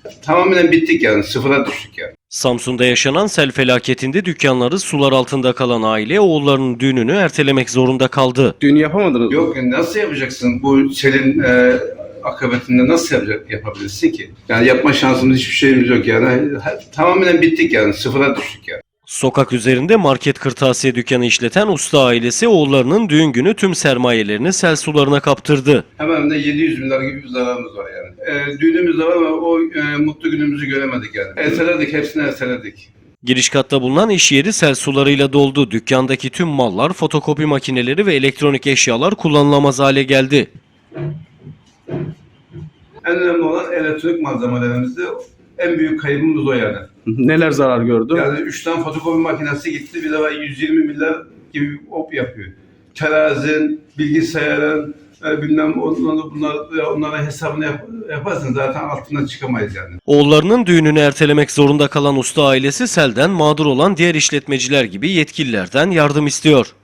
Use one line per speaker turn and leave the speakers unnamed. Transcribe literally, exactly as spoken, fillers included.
Tamamen bittik yani, sıfıra düştük yani.
Samsun'da yaşanan sel felaketinde dükkanları sular altında kalan aile oğullarının düğününü ertelemek zorunda kaldı.
Düğünü yapamadınız mı?
Yok, nasıl yapacaksın bu selin e, akıbetinde, nasıl yapacak, yapabilirsin ki? Yani yapma şansımız, hiçbir şeyimiz yok yani. Tamamen bittik yani, sıfıra düştük yani.
Sokak üzerinde market kırtasiye dükkanı işleten usta ailesi oğullarının düğün günü tüm sermayelerini sel sularına kaptırdı.
Hemen de yedi yüz bin lira gibi bir zararımız var yani. E, düğünümüz de var ama o e, mutlu günümüzü göremedik yani. Erteledik, hepsini erteledik.
Giriş katta bulunan iş yeri sel sularıyla doldu. Dükkandaki tüm mallar, fotokopi makineleri ve elektronik eşyalar kullanılamaz hale geldi.
En önemli olan elektronik malzemelerimizde en büyük kaybımız o yani.
Neler zarar gördü?
Yani üç tane fotokopi makinesi gitti, bir de yüz yirmi milyar gibi op yapıyor. Terazin, bilgisayarın, e, bilmem onları, bunlar, onların hesabını yap, yaparsın zaten altından çıkamayız yani.
Oğullarının düğününü ertelemek zorunda kalan usta ailesi selden mağdur olan diğer işletmeciler gibi yetkililerden yardım istiyor.